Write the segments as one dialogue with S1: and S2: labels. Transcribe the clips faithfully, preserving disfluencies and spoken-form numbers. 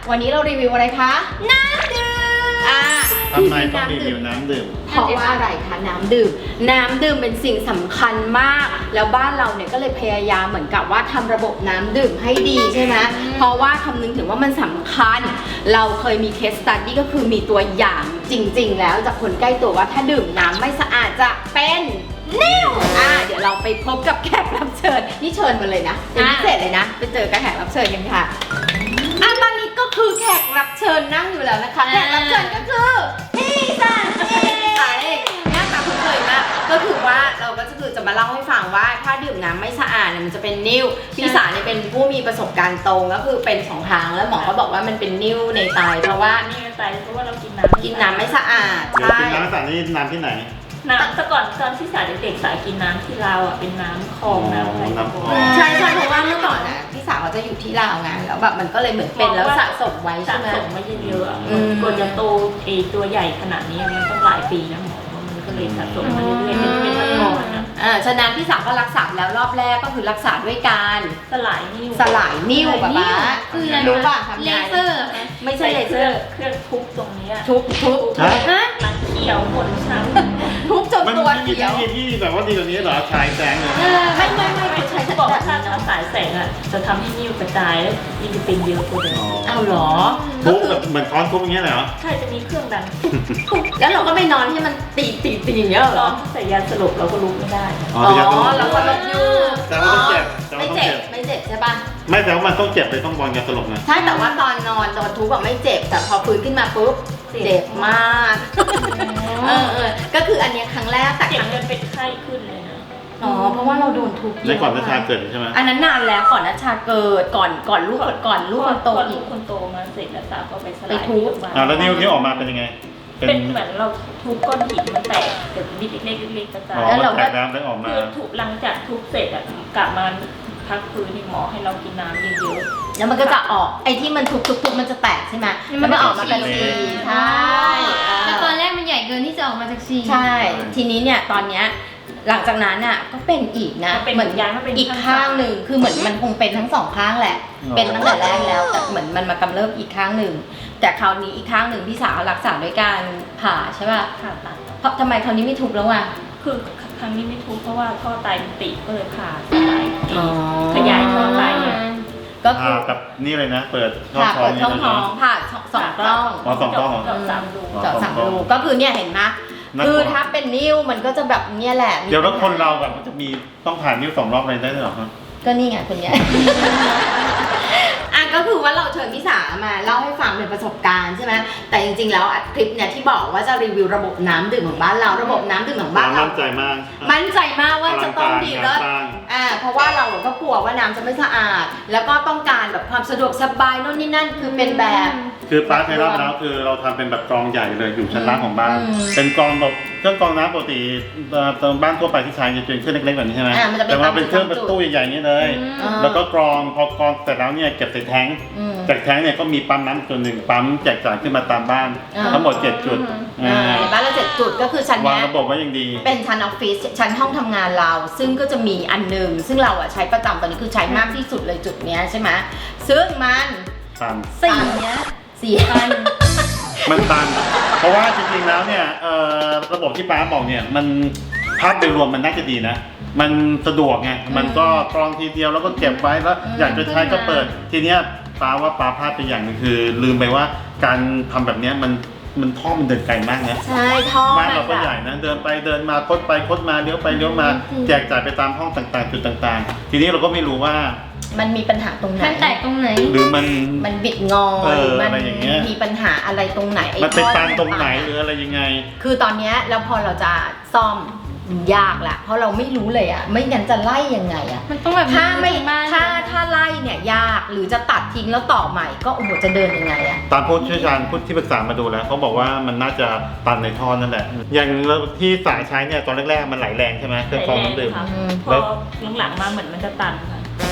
S1: วันนี้เรารีวิวอะไรคะน้ำดื่มอ่า
S2: ทำไมต้องรีวิวน้ำดื่ม
S1: เพราะว่าอะไรคะน้ำดื่มน้ำดื่มเป็นสิ่งสำคัญมากแล้วบ้านเราเนี่ยก็เลยพยายามเหมือนกับว่าทำระบบน้ำดื่มให้ดีใช่ไหมเพราะว่าคำนึงถึงว่ามันสำคัญเราเคยมีเคสสตัดดี้ก็คือมีตัวอย่างจริงๆแล้วจากคนใกล้ตัวว่าถ้าดื่มน้ำไม่สะอาดจะเป็นนิ่วอ่าเดี๋ยวเราไปพบกับแขกรับเชิญนี่เชิญมาเลยนะเป็นพิเศษเลยนะไปเจอกับแขกรับเชิญกันค่ะอ่ะตอนนี้ก็คือแขกรับเชิญนั่งอยู่แล้วนะคะแขกรับเชิญก็คือพี่สันเองหน้าตาคุ้นเคยมากก็คือว่าเราก็จะคือจะมาเล่าให้ฟังว่าถ้าดื่มน้ำไม่สะอาดเนี่ยมันจะเป็นนิ่วพี่สาเนี่ยเป็นผู้มีประสบการณ์ตรงก็คือเป็นสองครั้งแล้วหมอก็บอกว่ามันเป็นนิ่วในไตเพราะว่า
S3: นี่ในไตเพราะว่าเรากินน้ำ
S1: กินน้ำไม่สะอาด
S2: เดี๋ยว
S1: ใช่
S2: กินน้ำสารนี่น้ำที่ไหน
S3: น้ำแต่ก่อนตอนที่สายเด็กๆสายกินน้ำที่ลาวอ่ะเป็นน้ำคลองน้ำอะไร
S2: น้ำคลอง
S1: ใช่ใช่เพราะว่าเมื่อก่อนน่ะพี่สาวเขาจะอยู่ที่ลาวไงแล้วแบบมันก็เลยเหมือนเป็นแล้วสะสมไว้
S3: สะ
S1: ใช่ไหม
S3: สมมาเยอะๆอะ
S1: อืม
S3: กว่าจะโตเอตัวใหญ่ขนาดนี้มันต้องหลายปีนะหมอมันก็เลยสะสมมาเรื่อยๆเป็นเป็นตะกอนนะ
S1: อ่าฉะนั้นพี่สาวก็รักษาแล้วรอบแรกก็คือรักษาด้วยการ
S3: สลายนิ้ว
S1: สลายนิ้วแบบว่า
S2: คืออะไร
S1: รู้ป่ะทำ
S4: เล
S1: ไง
S4: เซอร์
S1: ไม่ใช่เลเซอร์
S3: เครื่องทุบตรงนี้
S1: ทุบทุบ
S2: ฮะ
S4: ฮะ
S3: หลังเขียวหมดช้ำ
S1: ทุบจน
S2: มัน
S1: ตัว
S2: มี
S1: เขียว
S2: ที่ที่แบบว่าดีกว่านี้เหรอชายแสงเลย
S1: เออไม่ไม่ไม่ไม่ใช่
S3: เขาบอกว่าถ้าถ้าสายแสงอ่ะจะทำให้นิ้วกระจายแล้วยิ่งจะเป็นเยอะกว่าเดิม
S1: เอาเหรอ
S2: ทุบแบบเหมือนค้อนทุบอย่างเงี้ยเหรอ
S3: ใช่จะมีเครื่องดัง
S1: แล้วเราก็ไม่นอนให้มันตีตีตีอย่างเงี้ยเหร
S3: ตอ
S1: อ
S3: นที่ใส่ยาสลบเราก็ลุกไม่ได้
S2: อ๋อ
S1: อ๋
S2: แต่ยังต้อง
S1: อเราก็ลบอยู่
S2: แต่ว่าต้องเจ็บแต่ว่า
S1: ไม่
S2: ต้อง
S1: เจ็
S2: เจ็
S1: บบ ไม่เจ็บใช่ป่ะ
S2: ไม่แต่ว่ามันต้องเจ็บเลยต้องบอลยาสลบนะ
S1: ใช่แต่ว่าตอนนอนโดนทุบแบบไม่เจ็บแต่พอฟื้นขึ้นมาปุ๊บเจ็บมากเออเออก็คืออันเนี้ยครั้งแรกแต่
S3: เจ็
S1: ค
S3: บ
S1: รั้ง
S3: จนเป็นไข้ขึ้นเลยนะ
S1: อ๋อเพราะว่าเราโดนทุบ
S2: ในก่อนนัชชาเกิดใช่ไหม
S1: อันนั้นนานแล้วก่อนนัชชาเกิดก่อนก่อนลูกก่อนลูกคนโต
S3: พอ
S1: อี
S3: ลู
S1: ก
S3: กคนโตมาเสร็จแล้วสาวก็ไปสลาย
S1: ไปทุบ
S2: อ่าแล้วนิ้วนิ้วออกมาเป็นยังไง
S3: เป็นเหมือนเราทุบก้อนหินมันแตกเดี๋ยวนิดเล็กๆเล็กๆกระจา
S2: อ๋
S3: ย
S2: อ
S1: แล้ว
S2: มัน
S1: เราก็
S2: แตกน้ำได้ออกมา
S3: คือถูกหลังจากทุบเสร็จอะกลับมาพักฟื้นที่หมอให้เรากินน้ำเยอะ
S1: แล้วมันก็จะออกไอ้ที่มันทุบทุบทุบมันจะแตกใช่ไหมแล้วมันออกมาเป็นสีใช่
S4: แต่ตอนแรกมันใหญ่เกินที่จะออกมาจากซี
S1: ใช่ทีนี้เนี่ยตอนเนี้ยหลังจากนั้นอ่ะก็เป็นอีกนะ
S3: ๆเป็น
S1: เหมือน
S3: ย้ายมาเป็น
S1: อีกข้างหนึ่งคือเหมือนมันคงเป็นทั้งสองข้างแหละ
S2: อ๋อ
S1: เป็นตั้งแต่แรกแล้วแต่เหมือนมันมากำเริบอีกข้างหนึ่งแต่คราวนี้อีกข้างหนึ่งพี่สาวรักษาด้วยการผ่าใช่ป่ะ
S3: ผ่าตัด
S1: เพราะทำไมคราวนี้ไม่ทุบแล้วอ่ะ
S3: คือครั้งนี้ไม่ทุบเพราะว่าท่อไตมันติดก็เลยผ่าสลาย
S1: อ๋อ
S3: ขยายท่อไตเนี่ย
S1: ก็คื
S2: อ่า
S1: อ
S2: กับนี่เลยนะ เปิดช่อง
S1: ผ่า
S2: ท้อง
S1: เปิดช่องท้องผ่าสองกล้อง
S2: อ๋อสองกล้องเหรอ
S3: เจาะสามรู
S2: อ๋อ
S1: เจาะสามรูก็คือเนี่ยเห็นไหม
S2: น่ากลัว
S1: คือถ้าเป็นนิ้วมันก็จะแบบเนี่ยแหละ
S2: เดี๋ยวแล้วคนเราแบบมันจะมีต้องผ่านนิ้วสองรอบอะไรได้ด้วยเหรอครับ
S1: ก็นี่ไงคนเนี้ย อ่ะก็คือว่าเราเชิญพี่สามาเล่าให้ฟังเป็นประสบการณ์ใช่ไหมแต่จริงๆแล้วอ่ะคลิปเนี่ยที่บอกว่าจะรีวิวระบบน้ำดื่มของบ้านเราระบบน้ำดื่มของบ้านเรา
S2: มั่นใจมาก
S1: มั่นใจมากว่าจะต้องดี
S2: อ
S1: เลิ
S2: ลั
S1: ศ
S2: งการงานสร้าง
S1: อ่าเพราะว่าเราก็กลัวว่าน้ำจะไม่สะอาด แล้วก็ต้องการแบบความสะดวกสบายโน่นนี่นั่นคือเป็นแบบ
S2: คือป้าใช้รอบแล้วคือเราทำเป็นแบบกรองใหญ่เลยอยู่ชั้นล่างของบ้าน
S1: อืม
S2: เป็นกรองแบบเครื่องกรองน้ำปกติเอ่อตามบ้านทั่วไปที่ใช้จะเป็นเครื่องเล็กๆแบบนี้ใช่ไหม
S1: อ่ามันจะเป็น
S2: แต่ว่าเป็นเครื่อง
S1: ตาม
S2: เป็น
S1: จุด
S2: ตู้ใหญ่ๆนี้เลย
S1: อ่า
S2: แล้วก็กรองพอกรองเสร็จแล้วเนี่ยเก็บใส่แท้ง
S1: อืม
S2: จากแท้งเนี่ยก็มีปั๊มน้ำตัวหนึ่งปั๊มแจกจ่ายขึ้นมาตามบ้าน
S1: อ่า
S2: ทั้งหมดเจ็ดจุด
S1: อ่า
S2: อ่า
S1: ในบ้านเราเจ็ดจุดก็คือชั้น
S2: วาง
S1: เนี้ย
S2: ระบบไว้อย่างดี
S1: เป็นชั้นออฟฟิศชั้นห้องทำงานเรา ซึ่งก็จะมีอันหนึ่งซึ่งเราอะใช้ประจำตอนนี้คือใช้มากที่สุดเลยจุดเนี้ยใช่ไหมซึ่งมัน
S2: ตัน
S1: สี่เนี้ยสี่อัน
S2: มันตัน เพราะว่าจริงๆแล้วเนี่ยเอ่อระบบที่ป้าบอกเนี่ยมันภาพโดยรวมมันน่าจะดีนะ มันสะดวกไงมันก็กรองทีเดียวแล้วก็เก็บไว้แล้ว
S1: อืม
S2: อยากจะใช้ก็เปิดทีเนี้ยป้าว่าป้าพลาดไปอย่างหนึงคือ ลืมไปว่าการทำแบบเนี้ยมันมันท่อมันเดินไกลมากนะ
S1: ใช่ท่อ
S2: บ้าน
S1: มั
S2: เรา
S1: น
S2: ก็
S1: แบ
S2: ใหญ่
S1: บ
S2: นะเดินไปเดินมาคดไปคดมาเลี้ยวไปเลี้ยวมาแจกจ่ายไปตามห้องต่างๆ จุดต่างๆ ทีนี้เราก็ไม่รู้ว่า
S1: มันมีปัญหาตรงไหน
S4: มันแตกตรงไหน
S2: หรือมัน
S1: มันบิดงอ
S2: เออ
S1: มั
S2: อะไรอย่างเงี้ย
S1: มีปัญหาอะไรตรงไหนไอ้
S2: มันเป็น
S1: ท่อ
S2: ตันตรงไหน
S1: มั
S2: หรืออะไรยังไง
S1: คือตอนเนี้ยแล้วพอเราจะซ่อมยากละเพราะเราไม่รู้เลยอะไม่งั้นจะไล่ยังไงอะ
S4: มันต้องแบบ
S1: ถ้าไม่
S4: บ้าน
S1: ถ้าถ้าไล่เนี่ยยากหรือจะตัดทิ้งแล้วต่อใหม่ก็โอ้โหจะเดินยังไงอะ
S2: ตามผู้เชี่ยวชาญผู้ที่ปรึกษามาดูแล้วเขาบอกว่ามันน่าจะตันในท่อนั่นแหละ อย่างที่สายใช้เนี่ยตอนแรกๆมันไหลแรงใช่ไหมเครื่องกรองน้ำดื่ม
S3: ค่ะ
S1: อืม
S3: พอหลังๆมาเหมือนมันจะตันค่ะ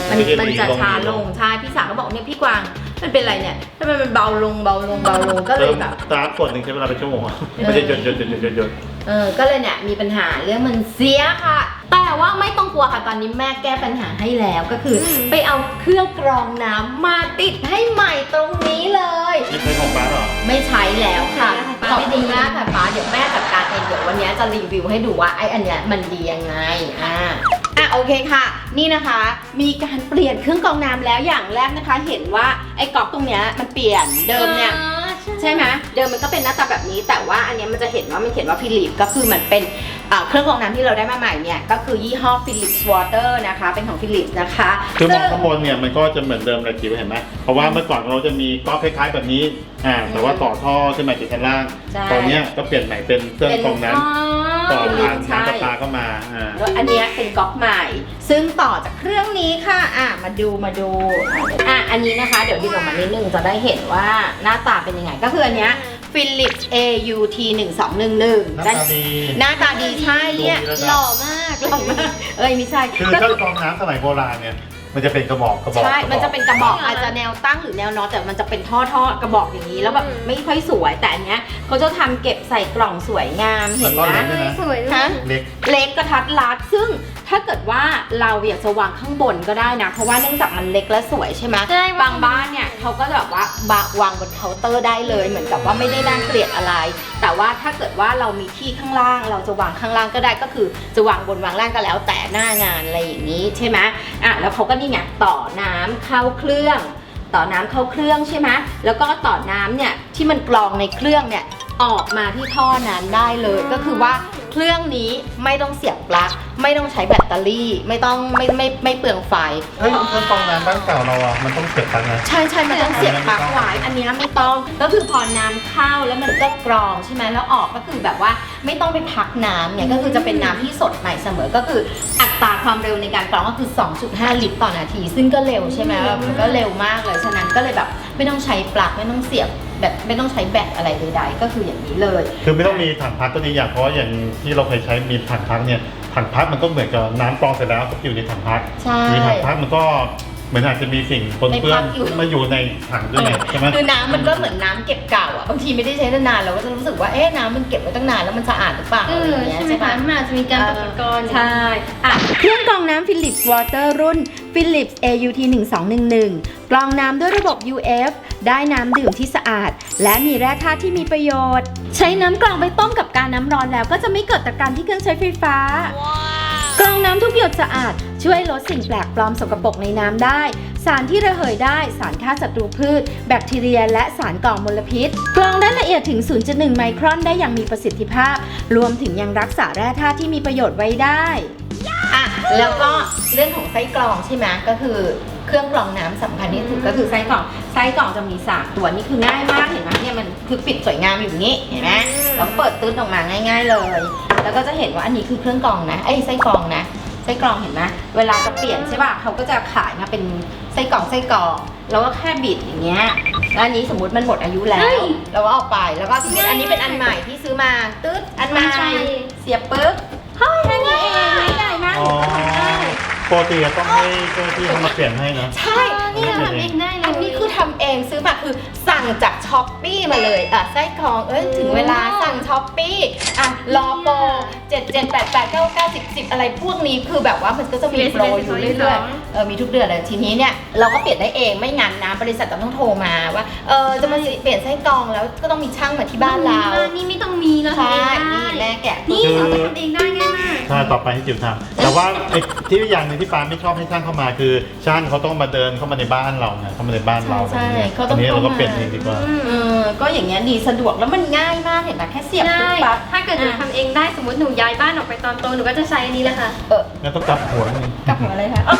S1: มัน
S2: ไม่ใช่
S1: มันจะ
S2: ลง
S1: ช้าลงใช่พี่สาวก็บอกเนี่ยพี่กวางมันเป็นอะไรเนี่ยทำไมมันเบาลงเบาลงเบาลงก็เล
S2: เริ่
S1: ย
S2: ม
S1: แบบ
S2: สตาร์ทกดหนึ่งใช้เวลาเป็นชั่วโมงอะไม่ได้หยดหยดหยดหยดหยดหยด
S1: เออก็เลยเนี่ยมีปัญหาเรื่องมันเสียค่ะ แต่ว่าไม่ต้องกลัวค่ะตอนนี้แม่แก้ปัญหาให้แล้วก็คืออไปเอาเครื่องกรองน้ำมาติดให้ใหม่ตรงนี้เลย
S2: นี่ใช้ของป้าเหรอ
S1: ไม่ใช้แล้วค่ะ
S4: ไม่ใช้
S1: ขอบคุณมากค่ะป้าเดี๋ยวแม่จัดการเองเดี๋ยววันนี้จะรีวิวให้ดูว่าไอ้อันเนี้ยมันดียังไงอ่าอ่ะโอเคค่ะ นี่นะคะ มีการเปลี่ยนเครื่องกรองน้ำแล้วอย่างแรกนะคะ เห็นว่าไอ้ก๊อกตรงเนี้ยมันเปลี่ยนเดิมเนี่ย
S4: อ๋อ
S1: ใช่ไหมเดิมมันก็เป็นหน้าตาแบบนี้ แต่ว่าอันเนี้ยมันจะเห็นว่ามันเขียนว่าฟิลิปก็คือมันเป็นอ่าเครื่องกรองน้ำที่เราได้มาใหม่เนี่ยก็คือยี่ห้อ Philips Water นะคะเป็นของ Philips นะคะ
S2: คือมอง
S1: ซึ่
S2: ข้างบนเนี่ยมันก็จะเหมือนเดิมเลยคิวเห็นไหมเพราะว่าเมื่อก่อนเราจะมีก๊อกคล้ายๆแบบนี้อ่าแต่ว่าต่อท่อขึ้นมาจากชั้นล่าง
S1: ใช่
S2: ตอนเนี้ยก็เปลี่ยนใหม่เป็นเครื่องกรองน้ำต่อผ่านน้ำประปาเข้ามาอ่า
S1: แล้วอันเนี้ยเป็นก๊อกใหม่ ซึ่งต่อจากเครื่องนี้ค่ะอ่ะมาดูมาดูอ่ะอันนี้นะคะ เดี๋ยวดึงออกมานิดนึงจะได้เห็นว่าหน้าตาเป็นยังไงก็คืออันเนี้ย Philips เอ ยู ที หนึ่งสองหนึ่งหนึ่ง
S2: หน้าตาดี
S1: หน้าตาดีใช่เนี่ย
S2: ดูดีแล้วนะ
S1: หล่อมากหล่อมากเอ้ยไม่ใช่
S2: คือ
S1: ก็
S2: เครื่องกรองน้ำสมัยโบราณเนี่ยมันจะเป็นกระบอกกระบอก
S1: ใช่
S2: กรบ
S1: มันจะเป็นกระบอก
S4: ใช่เหรอ
S1: อาจจะแนวตั้งหรือแนวนอนแต่มันจะเป็นท่อท่อกระบอกอย่างนี้ แล้วแบบไม่ค่อยสวย แต่อันเนี้ยเขาจะทำเก็บใส่กล่องสวยงามเห็น
S2: แล้วก็
S1: ไหม
S2: เล็กด้วยนะ
S4: สวยด้วย
S1: ฮะ
S2: เล็ก
S1: เล็กกระทัดรัดซึ่งถ้าเกิดว่าเราอยากจะวางข้างบนก็ได้นะ เพราะว่าเนื่องจากมันเล็กและสวยใช่ไหม
S4: ใช่
S1: บางบ้านเนี่ยเขาก็จะแบบว่าวางบนเคาน์เตอร์ได้เลย เหมือนกับว่าไม่ได้น่าเกลียดอะไร แต่ว่าถ้าเกิดว่าเรามีที่ข้างล่าง เราจะวางข้างล่างก็ได้ก็คือจะวางบนวางล่างก็แล้วแต่หน้างานอะไรอย่างนี้ใช่ไหมอ่ะแล้วเขาก็นี่ไงต่อน้ำเข้าเครื่อง ต่อน้ำเข้าเครื่องใช่ไหมแล้วก็ต่อน้ำเนี่ยที่มันกรองในเครื่องเนี่ยออกมาที่ท่อนั้นได้เลย ก็คือว่าเครื่องนี้ไม่ต้องเสียบปลั๊กไม่ต้องใช้แบตเตอรี่ ไม่ต้องไม่ไม่ไม่เปลืองไฟ
S2: เฮ้ยเครื่องกรองน้ำบ้านเก่าเราอ่ะมันต้องเสียบปลั๊กนะ
S1: ใช่ใช่มันต้องเสียบปลั๊กไว้อันเนี้ยไม่ต้องก็คือพอน้ำเข้าแล้วมันก็กรองใช่ไหมแล้วออกก็คือแบบว่าไม่ต้องไปพักน้ำเนี่ยก็คือจะเป็นน้ำที่สดใหม่เสมอก็คืออัตราความเร็วในการกรองก็คือ สองจุดห้า ลิตรต่อนาที ซึ่งก็เร็วใช่ไหมแบบมันก็เร็วมากเลยฉะนั้นก็เลยแบบไม่ต้องใช้ปลั๊กไม่ต้องเสียบแบบไม่ต้องใช้แบตอะไรใดๆก็คืออย่างนี้เลย
S2: คือไม่ต้องมีถังพักก็ดีอย่างเพราะว่าอย่างที่เราเคยใช้มีถังพักเนี่ยถังพักมันก็เหมือนกับน้ำกรองเสร็จแล้วก็อยู่ในถังพัก
S1: ใช่
S2: มีถังพักมันก็เหมือนอาจจะมีสิ่งปนเปื้อน
S1: ในพักอยู่
S2: มาอยู่ในถังด้วยไงใช่ไหม
S1: คือน้ำมันก็เหมือนน้ำเก็บเก่าอ่ะบางทีไม่ได้ใช้นานๆเราก็จะรู้สึกว่าเอ๊ะน้ำมันเก็บไว้ตั้งนานแล้วมันสะอาดหรือเปล่า
S4: เอ
S1: อะไร
S4: อ
S1: อย่างเงี้ย
S4: ใช่ไหม
S1: ใช่ปะ
S4: คะมันอาจจะมีการตกตะกอน
S1: ใช่ อ่ะ เครื่องกรองน้ำ Philips Water รุ่น Philips เอ ยู ที หนึ่งสองหนึ่งหนึ่ง กรองน้ำด้วยระบบ ยู เอฟ ได้น้ำดื่มที่สะอาด และมีแร่ธาตุที่มีประโยชน์ ใช้น้ำกรองไปต้มกับการน้ำร้อนแล้วก็จะไม่เกิดตะการที่เครื่องใช้ไฟฟ้า กรองน้ำทุกหยดสะอาด ช่วยลดสิ่งแปลกปลอมสกปรกในน้ำได้ สารที่ระเหยได้ สารฆ่าศัตรูพืช แบคทีเรีย และสารก่อมลพิษ กรองได้ละเอียดถึง ศูนย์จุดหนึ่ง ไมครอนได้อย่างมีประสิทธิภาพ รวมถึงยังรักษาแร่ธาตุที่มีประโยชน์ไว้ได้อ่ะแล้วก็เรื่องของไส้กรองใช่ไหมก็คือเครื่องกรองน้ำสำคัญที่สุดก็คือไส้กรองไส้กรองจะมีสามตัวนี่คือง่ายมากเห็นไหมเนี่ยมันคือปิดสวยงามอยู่อย่างนี้เห็นไหมแล้วเปิดตื้นออกมาง่าย ๆเลย แล้วก็จะเห็นว่าอันนี้คือเครื่องกรองนะไอ้ไส้กรองนะไส้กรองเห็นไหมเวลาจะเปลี่ยนใช่ป่ะเขาก็จะขายมาเป็นไส้กรองไส้กรองแล้วก็แค่บิดอย่างเงี้ยแล้วอันนี้สมมติมันหมดอายุแล้วเราก็เอาไปแล้วก็สมมติอันนี้เป็นอันใหม่ที่ซื้อมาตึ๊ดอันใหม่เสียบปึ๊บเฮ้ยแค่นี้เองง่ายมาก
S2: อ๋อปกติอะต้องให้เจ้าหน้าที่เขามาเปลี่ยนให้นะ
S1: ใช่
S4: นี่เราทำเองได้เลย
S1: อันนี้คือทำเองซื้อมาคือสั่งจากช้อปปี้มาเลยอ่ะไส้กรองเอ้ยถึงเวลาสั่งช้อปปี้อ่ะรอโปรเจ็ดเจ็ดแปดแปดเก้าเก้าสิบสิบอะไรพวกนี้คือแบบว่ามันก็จะมีโปรอยู่เรื่อยๆเออมีทุกเดือนเลยทีนี้เนี่ยเราก็เปลี่ยนได้เองไม่งั้นนะบริษัทจะต้องโทรมาว่าเออจะมาเปลี่ยนไส้กรองแล้วก็ต้องมีช่างมาที่บ้านเรา
S4: นี่ไม่ต้องมีเราทำ
S1: ใช่
S4: เองได้
S1: นี่แม่แกะ
S4: นี่เราทำเองได้ง่ายมาก
S2: ใช่ต่อไปให้จิ๋วทำแต่ว่าไอ้ที่อย่างหนึงที่ปาไม่ชอบให้ช่างเข้ามาคือช่างเขาต้องมาเดินเข้ามาในบ้านเราไงเข้ามาในบ้านเรา
S1: ใช่
S2: แบบนี้
S1: เขาต้อง
S2: อันนี้เราก็
S1: เข้ามา
S2: เปลี่ยนเองดีกว่า
S1: เออก็อย่างเงี้ยดีสะดวกแล้วมันง่ายมากเห็นไหมแค่เสียบปุ๊บ
S4: ใช่
S1: ปั๊บ
S4: ถ้าเกิดหนูทำเองได้สมมติหนูย้ายบ้านออกไปตอนโตหนูก็จะใช้อันนี้แหละค่ะ
S1: เออ
S2: งั้นต้องกลับหัวนึง
S1: กับหัวอะไรคะ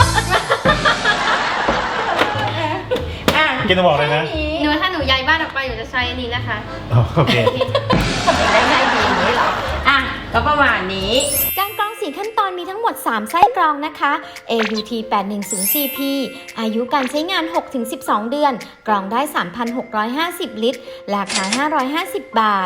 S1: อ่ะ
S2: กินจะบอกเลยนะ
S4: หนูถ้าหนูย้ายบ้านออกไปหนูจะใช้อันนี้แหละค่ะ
S2: อ๋อโอเค
S1: ทำเองได้ง่ายดีอย่างนี้เหรออ่ะก็ประมาณนี้
S5: การกรองสี่ขั้นตอนมีทั้งหมด สาม ไส้กรองนะคะ เอ ยู ที แปดหนึ่งศูนย์ ซี พี อายุการใช้งาน หกถึงสิบสอง เดือน กรองได้ สามพันหกร้อยห้าสิบ ลิตร ราคา ห้าร้อยห้าสิบ บาท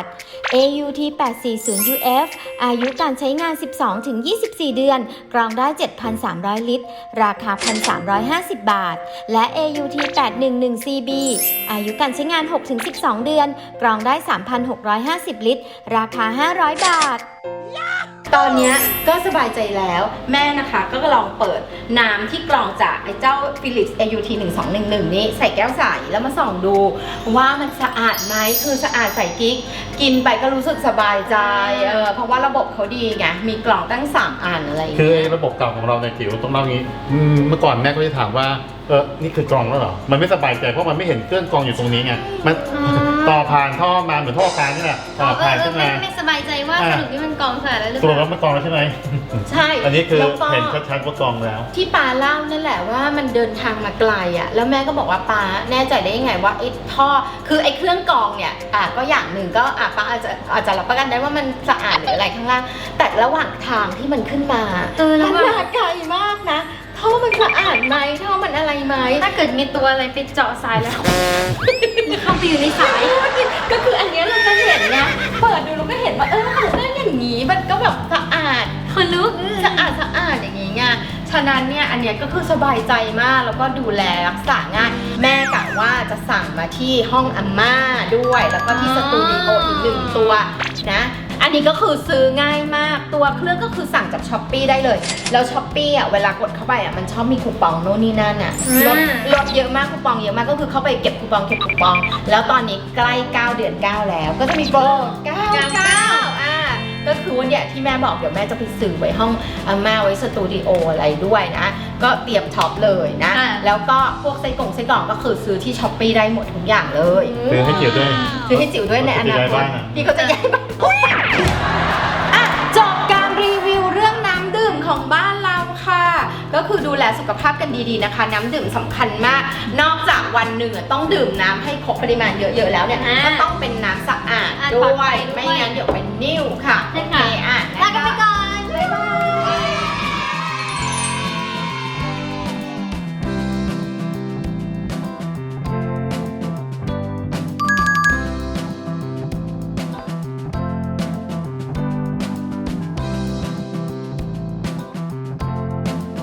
S5: เอ ยู ที แปดสี่ศูนย์ ยู เอฟ อายุการใช้งาน สิบสองถึงยี่สิบสี่ เดือน กรองได้ เจ็ดพันสามร้อย ลิตร ราคา หนึ่งพันสามร้อยห้าสิบ บาท และ เอ ยู ที แปดหนึ่งหนึ่ง ซี บี อายุการใช้งาน หกถึงสิบสอง เดือน กรองได้ สามพันหกร้อยห้าสิบ ลิตร ราคา ห้าร้อย บาท
S1: ตอนเนี้ยก็สบายใจแล้วแม่นะคะก็ลองเปิดน้ำที่กรองจากไอ้เจ้า Philips เอ ยู ที หนึ่งสองหนึ่งหนึ่งนี้ใส่แก้วใสแล้วมาส่องดูว่ามันสะอาดไหมคือสะอาดใส่กิ๊กกินไปก็รู้สึกสบายใจเออเพราะว่าระบบเขาดีไงมีกล่องตั้งสามอันอะไรอย่าง
S2: คือ
S1: เงี้ย
S2: ไอ้ระบบเก่าของเราในยจิ๋วต้องเล่างี้อืมเมื่อก่อนแม่ก็จะถามว่าเออนี่คือกรองแล้วเหรอมันไม่สบายใจเพราะมันไม่เห็นเครื่องกรองอยู่ตรงนี้ไงมันต่อผ่านท่อมาเหมือนท่อการนี่แหละต่อ
S4: เอ
S2: ผ่าน
S4: อ
S2: ขึ้น
S4: ไม่
S2: มา
S4: ไม่สบายใจว่า
S2: อ่า
S4: สรุปนี่มันกองสารแล้วหรือ
S2: สรุป
S4: เป
S2: แล้
S4: ล่า
S2: วมันกรองแล้วใช่ไหม
S1: ใช่
S2: อันนี้คือ
S1: แล้วก็
S2: เห็นชัดๆว่ากรองแล้ว
S1: ที่ปาเล่านั่นแหละว่ามันเดินทางมาไกลอ่ะแล้วแม่ก็บอกว่าปาแน่ใจได้ยังไงว่าไอ้ท่อคือไอ้เครื่องกรองเนี่ยอ่ะก็อย่างหนึ่งก็อ่ะปาอาจจะอาจจะรับประกันได้ว่ามันสะอาดหรืออะไรข้างล่างแต่ระหว่างทางที่มันขึ้นมา
S4: เออแล้ว
S1: มัน
S4: ว่า
S1: มาไกลมากนะท่อมันสะอาดไหมท่อมันอะไรไหม
S4: ถ้าเกิดมีตัวอะไรไปเจาะสายแล้ว เข้าไปอยู่ในสาย
S1: ก็คืออันเนี้ยเราจะเห็นไงเปิดดูเราก็เห็นว่าเออมันเป็นอย่างนี้มันก็แบบสะอาด
S4: คนลุก
S1: สะอาดสะอาดอย่างนี้ไงฉะนั้นเนี่ยอันเนี้ยก็คือสบายใจมากแล้วก็ดูแลรักษาง่ายแม่กะว่าจะสั่งมาที่ห้องอาม่าด้วยแล้วก็ที่สตูดิโออีกหนึ่งตัวนะอันนี้ก็คือซื้อง่ายมากตัวเครื่องก็คือสั่งจากช้อปปี้ได้เลยแล้วช้อปปี้อ่ะเวลากดเข้าไปอ่ะมันชอบมีคูปองโน่นนี่นั่นอ่ะลดลดเยอะมากคูปองเยอะมากก็คือเข้าไปเก็บคูปองเก็บคูปอง แล้วตอนนี้ใกล้เก้าเดือนเก้าแล้วก็จะมีโปรเก้าเก้าอ่าก็คือวันเนี้ยที่แม่บอกเดี๋ยวแม่จะไปซื้อไว้ห้องอาม่าไว้สตูดิโออะไรด้วยนะก็เตรียมช็อปเลยนะ
S4: อ่า
S1: แล้วก็พวกไส้กล่องไส้กล่องก็คือซื้อที่ช้อปปี้ได้หมดทุกอย่างเลย
S2: ซื้อให้จิ๋วด้วย
S1: ซื้อให้จิ๋วด้วยในอนาคต
S2: ที่เขาจะย้ายบ้านอะ
S1: ที่เขาจะย้ายบ้านอ่ะจบการรีวิวเรื่องน้ำดื่มของบ้านเราค่ะ ก็คือดูแลสุขภาพกันดีๆนะคะ น้ำดื่มสำคัญมาก นอกจากวันหนึ่งอะต้องดื่มน้ำให้ครบปริมาณเยอะๆแล้วเนี่ย
S4: อ่า
S1: ก็ต้องเป็นน้ำสะอาด
S4: อ่า
S1: ด้
S4: ปลอด
S1: ว
S4: ภั
S1: ย
S4: ยด้วย
S1: ไม่งั้นเดี๋ยวเป็นนิ่วค่ะ
S4: ใช่
S1: โอ
S4: ค่ะ
S1: เคอ่ะ